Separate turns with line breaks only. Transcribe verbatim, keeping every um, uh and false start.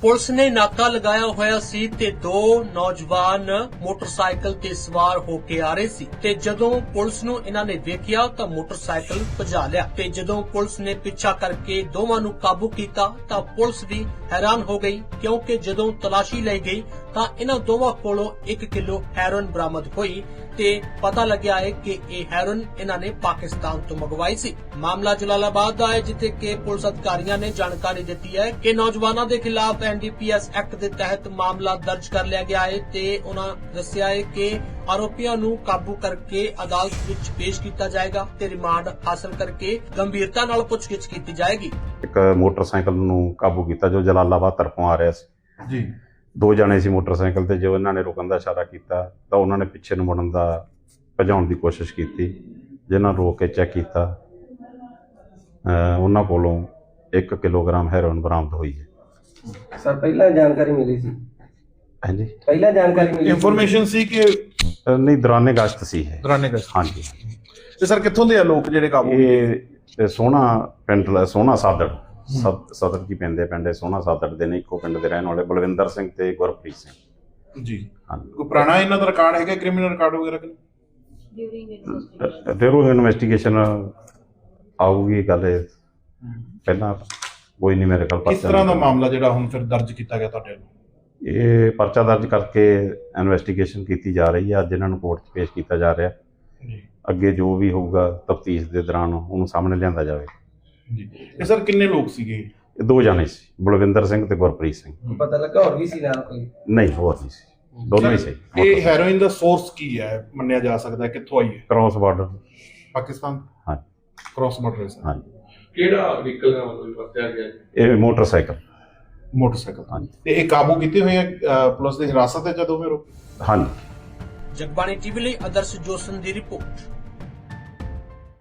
Police ਨੇ ਨਾਕਾ ਲਗਾਇਆ ਹੋਇਆ ਸੀ ਤੇ ਦੋ ਨੌਜਵਾਨ ਮੋਟਰਸਾਈਕਲ ਤੇ ਸਵਾਰ ਹੋ ਕੇ ਆ ਰਹੇ ਸੀ ਤੇ ਜਦੋਂ ਪੁਲਿਸ ਨੂੰ ਇਹਨਾਂ ਨੇ ਵੇਖਿਆ ਤਾਂ ਮੋਟਰਸਾਈਕਲ ਭਜਾ ਲਿਆ ਤੇ ਜਦੋਂ ਪੁਲਿਸ ਨੇ ਪਿੱਛਾ ਕਰਕੇ ਦੋਵਾਂ ਨੂੰ ਕਾਬੂ ਕੀਤਾ ਤਾਂ ਪੁਲਿਸ ਵੀ ਹੈਰਾਨ ਹੋ ਗਈ ਕਿਉਂਕਿ ਜਦੋਂ ਤਲਾਸ਼ੀ ਲਈ ਗਈ ਤਾਂ ਇਹਨਾਂ ਦੋਵਾਂ ਕੋਲੋਂ ਇੱਕ ਕਿਲੋ ਹੈਰੋਇਨ ਬਰਾਮਦ ਹੋਈ ਤੇ ਪਤਾ ਲੱਗਿਆ ਹੈ ਕਿ ਇਹ ਹੈਰੋਇਨ ਇਹਨਾਂ ਨੇ ਪਾਕਿਸਤਾਨ ਤੋਂ ਮੰਗਵਾਈ ਸੀ। ਮਾਮਲਾ ਜਲਾਲਾਬਾਦ ਦਾ ਹੈ ਜਿੱਥੇ ਕਿ ਪੁਲਿਸ ਅਧਿਕਾਰੀਆਂ ਨੇ ਜਾਣਕਾਰੀ ਦਿੱਤੀ ਹੈ ਕਿ ਨੌਜਵਾਨਾਂ ਦੇ ਖਿਲਾਫ N D P S act ਦੇ ਤਹਿਤ ਮਾਮਲਾ ਦਰਜ ਕਰ ਲਿਆ ਗਿਆ ਹੈ ਤੇ ਉਹਨਾਂ ਦੱਸਿਆ ਹੈ ਕਿ ਆਰੋਪੀਆਂ ਨੂੰ ਕਾਬੂ ਕਰਕੇ ਅਦਾਲਤ ਵਿੱਚ ਪੇਸ਼ ਕੀਤਾ ਜਾਏਗਾ ਤੇ ਰਿਮਾਂਡ ਹਾਸਲ ਕਰਕੇ ਗੰਭੀਰਤਾ ਨਾਲ ਪੁੱਛਗਿੱਛ ਕੀਤੀ ਜਾਏਗੀ।
ਇੱਕ ਮੋਟਰਸਾਈਕਲ ਨੂੰ ਕਾਬੂ ਕੀਤਾ ਜੋ ਜਲਾਲਾਬਾਦ ਤਰਫੋਂ ਆ ਰਿਹਾ ਸੀ
ਜੀ।
ਦੋ ਜਣੇ ਸੀ ਮੋਟਰਸਾਈਕਲ ਤੇ। ਜੋ ਇਹਨਾਂ ਨੇ ਰੁਕਣ ਦਾ ਇਸ਼ਾਰਾ ਕੀਤਾ ਤਾਂ ਉਹਨਾਂ ਨੇ ਪਿੱਛੇ ਨੂੰ ਮੁੜਨ ਦਾ ਭਜਾਉਣ ਦੀ ਕੋਸ਼ਿਸ਼ ਕੀਤੀ, ਜਿਨ੍ਹਾਂ ਨੂੰ ਰੋਕ ਕੇ ਚੈੱਕ ਕੀਤਾ। ਉਹਨਾਂ ਕੋਲੋਂ ਇੱਕ ਕਿਲੋਗ੍ਰਾਮ ਹੈਰੋਇਨ ਬਰਾਮਦ ਹੋਈ ਹੈ।
ਸਰ ਪਹਿਲਾਂ ਜਾਣਕਾਰੀ ਮਿਲੀ ਸੀ?
ਹਾਂਜੀ,
ਪਹਿਲਾਂ ਜਾਣਕਾਰੀ ਮਿਲੀ
ਇਨਫੋਰਮੇਸ਼ਨ ਸੀ ਕਿ
ਨਹੀਂ, ਦੌਰਾਨੇ ਗਸ਼ਤ ਸੀ ਇਹ।
ਦੌਰਾਨੇ ਗਸ਼ਤ।
ਹਾਂਜੀ।
ਤੇ ਸਰ ਕਿੱਥੋਂ ਦੇ ਆ ਲੋਕ ਜਿਹੜੇ ਕਾਬੂ?
ਇਹ ਸੋਹਣਾ ਪਿੰਡ, ਸੋਹਣਾ ਸਾਦੜ ਸਦਰ ਕੀ ਪੈਂਦੇ ਪਿੰਡ ਸੋਹਣਾ ਸਾਦੜ ਦੇ ਨੇ। ਇੱਕੋ ਪਿੰਡ ਦੇ ਰਹਿਣ ਵਾਲੇ ਬਲਵਿੰਦਰ ਸਿੰਘ ਤੇ ਗੁਰਪ੍ਰੀਤ ਸਿੰਘ
ਜੀ।
ਹਾਂਜੀ।
ਕੋਈ ਪੁਰਾਣਾ ਇਹਨਾਂ ਦਾ ਰਿਕਾਰਡ ਹੈਗਾ, ਕ੍ਰਿਮੀਨਲ ਰਿਕਾਰਡ ਵਗੈਰਾ ਕਿ
ਡਿਊਰਿੰਗ ਇਨਵੈਸਟੀਗੇਸ਼ਨ ਆਊਗੀ ਗੱਲ। ਪਹਿਲਾਂ ਕੋਈ ਨਹੀਂ ਮੇਰੇ ਕੋਲ।
ਕਿਸ ਤਰ੍ਹਾਂ ਦਾ ਮਾਮਲਾ ਜਿਹੜਾ ਹੁਣ ਫਿਰ ਦਰਜ ਕੀਤਾ ਗਿਆ ਤੁਹਾਡੇ ਵੱਲੋਂ?
ਇਹ ਪਰਚਾ ਦਰਜ ਕਰਕੇ ਇਨਵੈਸਟੀਗੇਸ਼ਨ ਕੀਤੀ ਜਾ ਰਹੀ ਹੈ। ਅੱਜ ਇਹਨਾਂ ਨੂੰ ਕੋਰਟ 'ਚ ਪੇਸ਼ ਕੀਤਾ ਜਾ ਰਿਹਾ।
ਜੀ।
ਅੱਗੇ ਜੋ ਵੀ ਹੋਊਗਾ ਤਫਤੀਸ਼ ਦੇ ਦੌਰਾਨ ਉਹਨੂੰ ਸਾਹਮਣੇ ਲਿਆਂਦਾ ਜਾਵੇ।
ਜੀ। ਇਹ ਸਰ ਕਿੰਨੇ ਲੋਕ ਸੀਗੇ?
ਇਹ ਦੋ ਜਾਣੇ ਸੀ, ਬਲਵਿੰਦਰ ਸਿੰਘ ਤੇ ਗੁਰਪ੍ਰੀਤ ਸਿੰਘ।
ਪਤਾ ਲੱਗਾ ਹੋਰ ਵੀ ਸੀ ਨਾਲ ਕੋਈ?
ਨਹੀਂ, ਹੋਰ ਨਹੀਂ ਸੀ, ਦੋਨੋਂ ਹੀ ਸੀ।
ਇਹ ਹੈਰੋਇਨ ਦਾ ਸੋਰਸ ਕੀ ਹੈ ਮੰਨਿਆ ਜਾ ਸਕਦਾ ਹੈ? ਕਿੱਥੋਂ ਆਈ ਹੈ?
Cross border.
ਪਾਕਿਸਤਾਨ।
ਹਾਂ,
ਕ੍ਰਾਸ ਬਾਰਡਰ ਹੈ।
ਹਾਂਜੀ।
ਕਿਹੜਾ ਵਹੀਕਲ ਦਾ ਮਤਲਬ ਵਰਤਿਆ ਗਿਆ ਜੀ?
ਇਹ ਮੋਟਰਸਾਈਕਲ।
ਮੋਟਰਸਾਈਕਲ।
ਹਾਂਜੀ।
ਤੇ ਇਹ ਕਾਬੂ ਕੀਤੇ ਹੋਏ ਆ ਪੁਲਿਸ ਦੀ ਹਿਰਾਸਤ ਵਿੱਚ ਜਦੋਂ ਫਿਰ?
ਹਾਂਜੀ।
ਜਗਬਾਣੀ ਟੀਵੀ ਲਈ ਆਦਰਸ਼ ਜੋਸਨ ਦੀ ਰਿਪੋਰਟ।